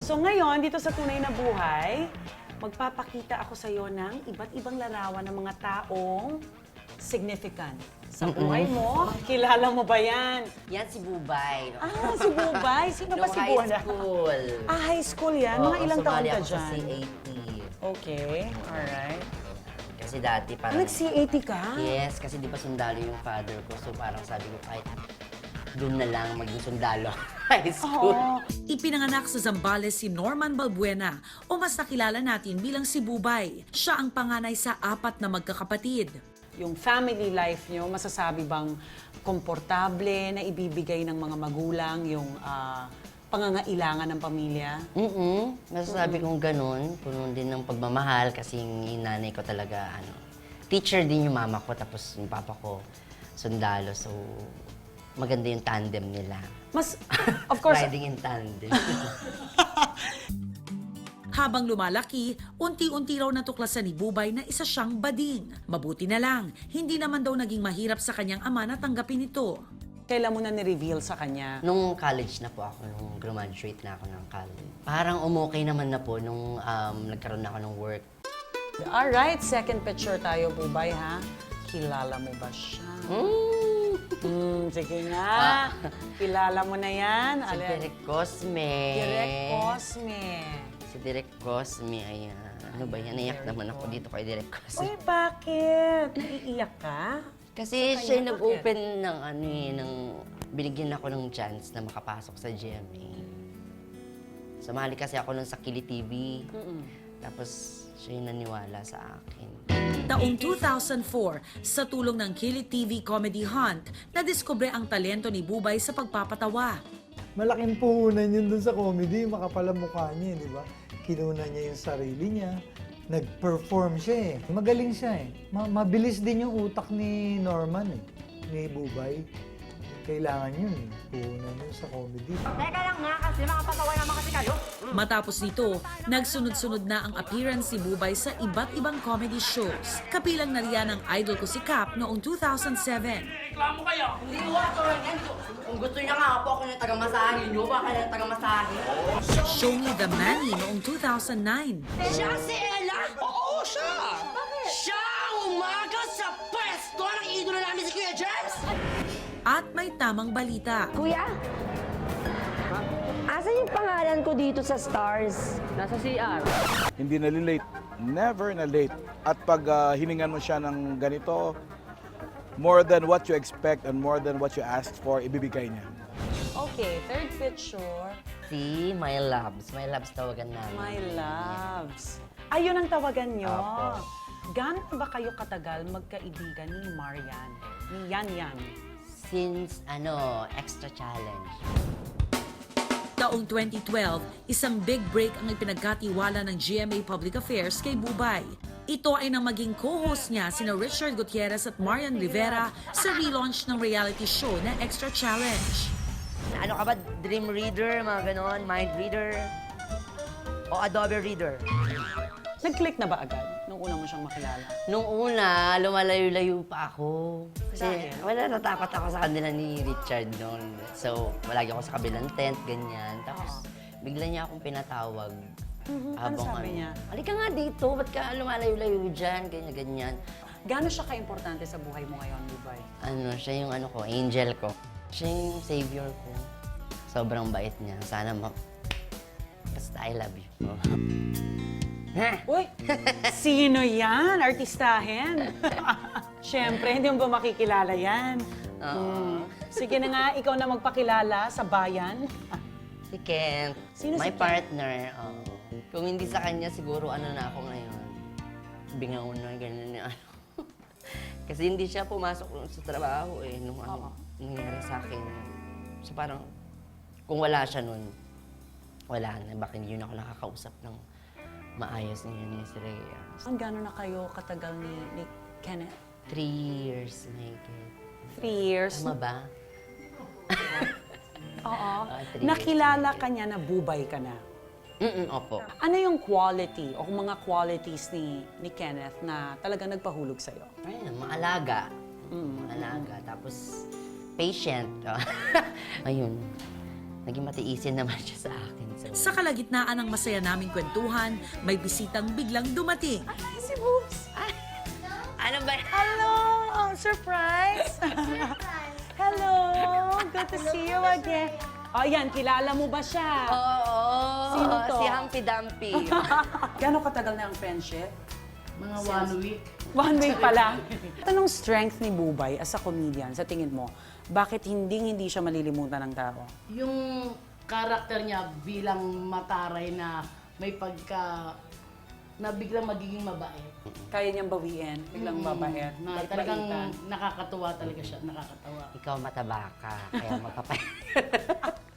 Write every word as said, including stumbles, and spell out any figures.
So ngayon, dito sa Tunay na Buhay, magpapakita ako sa'yo ng iba't ibang larawan ng mga taong significant sa buhay mo. Kilala mo ba yan? Yan si Bubay. Ah, si Bubay. Sino ba Nung si high Bubay? school. Ah, high school yan? Mga Oo, ilang taon sumali ka ako sa dyan? C A T. Okay, alright. Kasi dati Ah, parang... nag-C A T ka? Yes, kasi di ba sundalo yung father ko. So parang sabi ko kahit doon na lang maging sundalo. High school. Oo. Ipinanganak sa Zambales si Norman Balbuena o mas nakilala natin bilang si Bubay. Siya ang panganay sa apat na magkakapatid. Yung family life nyo, masasabi bang komportable na ibibigay ng mga magulang yung ah, pangangailangan ng pamilya? Mm-mm. Masasabi kong ganun. Puno din ng pagmamahal kasi yung nanay ko talaga, ano, teacher din yung mama ko, tapos yung papa ko, sundalo. So, maganda yung tandem nila. Mas, of course, Riding in tandem. Habang lumalaki, unti-unti raw natuklasan ni Bubay na isa siyang bading. Mabuti na lang, hindi naman daw naging mahirap sa kanyang ama na tanggapin ito. kailan mo na ni-reveal sa kanya? Nung college na po ako, nung graduate na ako ng college. Parang umukay naman na po nung um, nagkaroon na ako ng work. Alright, second picture tayo, Bubay, ha? Kilala mo ba siya? Mm. Hmm, sige nga. Kilala mo na yan. Si Alin? Direk Cosme. Direk Cosme. Si Direk Cosme, ayan. Ano ba yan? Naiyak naman ako dito kay Direk Cosme. Uy, bakit? Naiiyak ka? Kasi Sa siya kanya, yung nag-open ng ano eh, ng... Binigyan ako ng chance na makapasok sa G M A. Sumali kasi ako nun sa Kili T V. Mm-mm. Tapos siya yung naniwala sa akin. Taong two thousand four, sa tulong ng Kilit T V Comedy Hunt, nadiskubre ang talento ni Bubay sa pagpapatawa. Malaking puhunan yun dun sa comedy, makapal ang mukha niya, di ba? Kinuna niya yung sarili niya, nag-perform siya eh. Magaling siya eh. Ma- mabilis din yung utak ni Norman eh, ni Bubay. Kailangan yun eh, puhunan yun sa comedy. Teka lang nga kasi makapagawa naman kasi kayo. Matapos nito, nagsunod-sunod na ang appearance si Bubay sa iba't ibang comedy shows. Kapilang na riyan ang idol ko si Cap noong two thousand seven. Hindi ko ako yan. Kung gusto niya nga po ako yung taga-masahe niyo, baka yung taga-masahe. Show Me the Manny noong two thousand nine. Siya si Ella? Oo, siya! Bakit? Siya ang umaga sa pwesto ng idolo namin si Kuya James! At may tamang balita. Kuya, asan yung pangalan ko dito sa Stars? Nasa C R. Hindi nalilate. Never na late. At pag ah, hiningan mo siya ng ganito, more than what you expect and more than what you asked for, ibibigay niya. Okay, third picture. Si My Loves. My Loves tawagan namin. My loves. Ayun ang tawagan nyo. Apo. Gaano ba kayo katagal magkaibigan ni Marian? Ni Yan Yan? Since, ano, extra challenge. Taong twenty twelve, isang big break ang ipinagkatiwala ng G M A Public Affairs kay Bubay. Ito ay nang maging co-host niya sina Richard Gutierrez at Marian Rivera sa relaunch ng reality show na Extra Challenge. Ano ka ba? Dream Reader, mga ganon? Mind Reader? O Adobe Reader? Nag-click na ba agad nung una mo siyang makilala? Nung una, lumalayo-layo pa ako. Kasi Dahil? wala, natakot ako sa kanila ni Richard noon. So, malagi ako sa kabilang tent, ganyan. Tapos, bigla niya akong pinatawag. Mhm, ano sabi niya? Halika nga dito, ba't ka lumalayo-layo dyan, ganyan, ganyan. Gaano siya ka-importante sa buhay mo ngayon, Bubay? Ano, siya yung ano ko, angel ko. Siya yung savior ko. Sobrang bait niya. Sana ma... Basta I love you. Ha? Uy, sino yan? Artistahin? Siyempre, hindi mo ba makikilala yan? Hmm. Sige na nga, ikaw na magpakilala sa bayan. Si Kent. Sino si my Kent? partner. oo. Kung hindi sa kanya, siguro ano na ako ngayon. Bingaw na, ganyan na ano. Kasi hindi siya pumasok sa trabaho eh, nung ano, nangyari sa akin. So parang, kung wala siya nun, wala na. Baka hindi yun ako nakakausap ng maayos niya ni si Rhea. Ang gano'n na kayo katagal ni, ni Kenneth? Three years na higit. Three years. Tama ba? Oo. Ah, three Nakilala ka niya na Bubay ka na. Mm-mm, opo. Ano yung quality o mga qualities ni, ni Kenneth na talagang nagpahulog sa'yo? Ayun, maalaga. Mm. Maalaga. Tapos, patient. Ayun. naging matiisin naman siya sa akin. So, Sa kalagitnaan ng masaya naming kwentuhan, may bisitang biglang dumating. Ay, si Boobs! ano ba? Hello! Oh, surprise! Hello! Good to see you again. Oh, yan, kilala mo ba siya? Oo, Sino to? si Humpy Dumpy. Gano'ng katagal na ang friendship? Mga one week. One week pa lang. Anong strength ni Bubay as a comedian, sa tingin mo? Bakit hindi hindi siya malilimutan ng tao? Yung karakter niya bilang mataray na may pagka na biglang magiging mabait. Kaya niyang bawiin, biglang babait. Na talagang nakakatuwa talaga siya, nakakatawa. Ikaw mataba ka, kaya magpapay.